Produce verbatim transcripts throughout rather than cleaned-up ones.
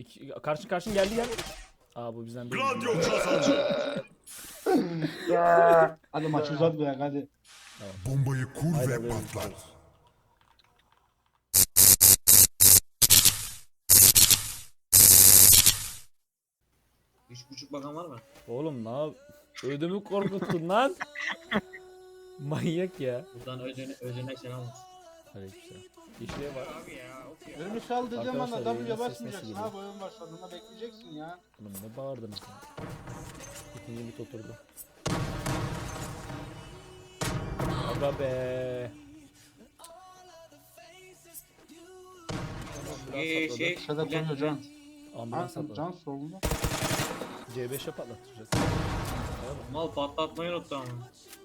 İki, karşı karşın geldi gel. Aa bu bizden değil. Gladio kazandı. Hadi maçı uzatmayak hadi. Bombayı kur Haydi ve alıyorum, patlat. gidiyoruz. Üç buçuk bakan var mı? Oğlum ne yap? Ödümü korkuttun lan. Manyak ya. Buradan ödüne, ödüne sen almasın. Aleykümselam. İşliğe var. Abi ya of ya. Önümü saldığı zaman da Arkadaşlar, W'ye yayının sesi basmayacaksın nasıl abi oyun başladığında bekleyeceksin ya. Oğlum ne bağırdınız ya. İkinci bit oturdu. Aga be. Ee, Ambulans şey, atladı. Şurada Bülent, koyuyor can. Bülent. Ambulans Can, atladı. can solunda. C beşe patlattıracağız. Mal patlatmayı unuttu ama.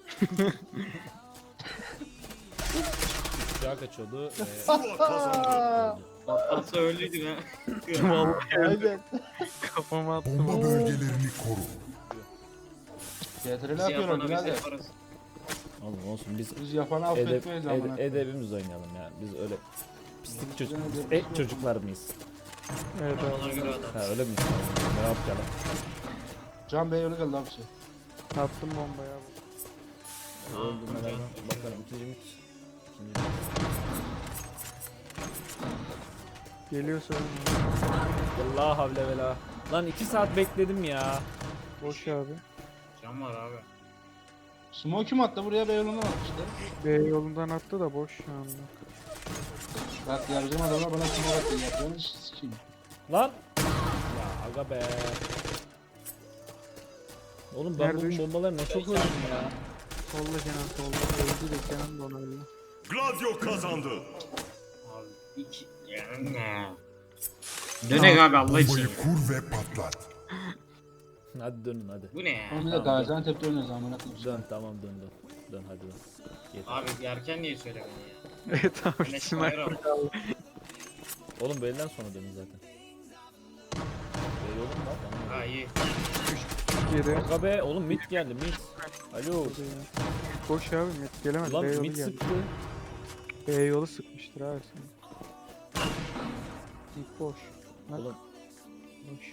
Uçağa kaçıyordu. Ve Zula kazandı. Patlatsa öldüydün ha. Aynen. Kafama attım. Bomba bölgelerini koru. G T R Biz yapıyorlar yapana biz birader. yaparız. oğlum olsun biz Biz yapanı edep, affetmeyiz ed, amına. edebimiz oynayalım ya. Biz öyle pislik çocuk, Biz e, çocuklar mıyız? Evet Ona abi. göre adam. Ha öyle miyiz? Ne yapacağım? Can Bey öyle geldi abi şey. Attım bombayı abi. Öldüm ben hemen. Bakalım ikinci mit. İkinci mit. Geliyorsa Allah havle vela. Lan iki saat bekledim ya. boş abi. Can var abi. Smoke kim attı buraya Beyoğlu'ndan attı işte. B yolundan attı da boş şu anda. Bak yargım adamlar bana smoke attı yapıyorsun sikeyim. Lan. Ya aga be. Oğlum ben Nerede bu üç- bombaları ne çok öldüm ya. Solda Kenan solda. Öldü de Kenan da ona öldü. Gladio kazandı. Abi iki. Yani ne? Dönek abi Allah için. Bombayı kur ve patlat. Hadi dönün hadi. Bu ne ya? Oğlum bir de Gaziantep'te oynuyoruz amına koyayım. Dön tamam dön dön. Dön hadi dön. Yeter. Abi yerken niye söylemedin ya? Evet abi. Güneş Sniper bayrağı. kaldı. Oğlum belden sonra dönün zaten. Böyle olur mu lan? Tamam. Ha iyi. Yedi. Aga be oğlum mit geldi mit. Alo. Boş abi mid gelemez. Lan B yolu mit geldi. sıktı. B yolu sıkmıştır abi sen. Mid boş. Lan Oğlum boş.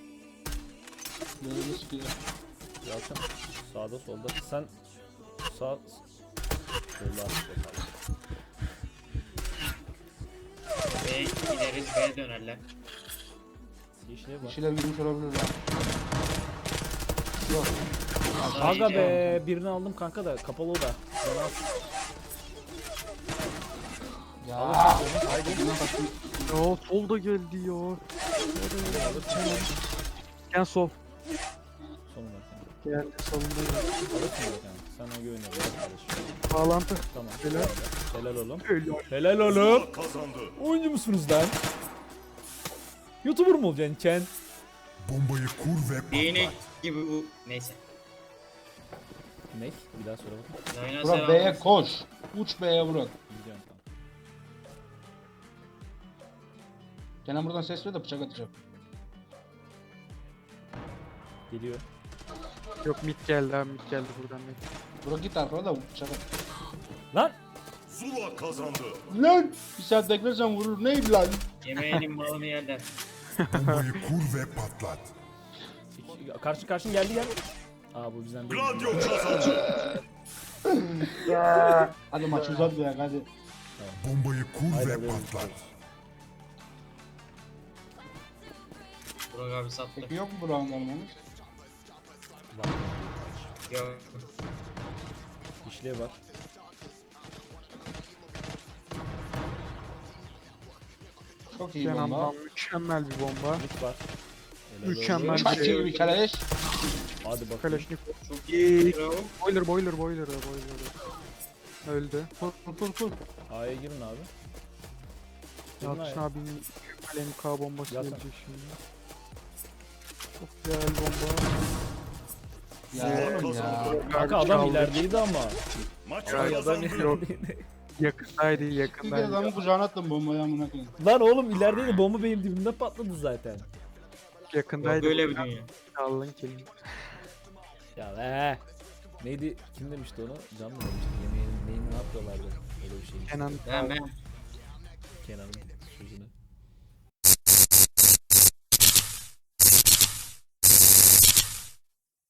Böyle sıkıyor. Yalçın sağda solda sen sağ solda B'ye gideriz B'ye dönerler. yeşile bak. Kişiler girmiş olabilir lan. Yok. Aga be birini aldım kanka da kapalı o da. Bana at. Ya. Haydi. Ya solda geldi ya. Kenan sol. Sonuna Geldi solunda geldi. alırsın zaten. Sana güveniyorum kardeşim. Bağlantı. Tamam. Helal. Helal oğlum. Öyle. Helal oğlum. Zula kazandı. Oyuncu musunuz lan? YouTuber mu olacaksın Ken? Bombayı kur ve Değnek patlat. gibi bu. Neyse. Ne? Bir daha söyle bakayım. Yayına Burak selam B'ye olsun. koş. Uç B'ye Burak. Gidiyorum tamam. Kenan buradan ses ver de bıçak atacak. Geliyor. Yok mid geldi abi mid geldi buradan mid. Burak git arkana da bıçak at. Lan! Zula kazandı. Lan! Bir saat beklersen vurur. Neydi lan? Yemeğinin malını yerler. Bombayı kur ve patlat. İki- Karşı karşın geldi gel. Aa bu bizden değil. Gladio kazandı. Hadi maçı uzatmayak hadi. Bombayı kur Haydi ve alıyorum, patlat. Burak abi sattı. Peki yok mu Burak'ın almamız? Yok. İşliğe bak. Çok iyi bomba. Kenan'dan mükemmel bir bomba. Mit var. Helal Mükemmel. olsun. Çok iyi bir keleş. Hadi bakalım. Kalashnikov. Çok İyi. iyi. Bravo. Boiler boiler boiler boiler. Öldü. Kur kur kur kur. A'ya girin abi. Girin Yalçın A'ya. abinin mükemmel M K bombası Yalçın. gelecek şimdi. Çok güzel bomba. Ya oğlum ya. Kanka Abi adam çaldı. ilerideydi ama. Maç Ay adam kazandı. ilerideydi. Yakındaydı Bir kere yakındaydı. adamın kucağına attım bombayı amına koyayım. Lan oğlum ilerideydi bomba benim dibimde patladı zaten. Yok Yakındaydı. böyle bir dünya. Allah'ın kelime. Ya be. Neydi? Kim demişti onu? Can mı demişti? Yemeğin neyini ne yapıyorlardı? Öyle bir şey. Kenan. Ben ben. Kenan'ın sözünü.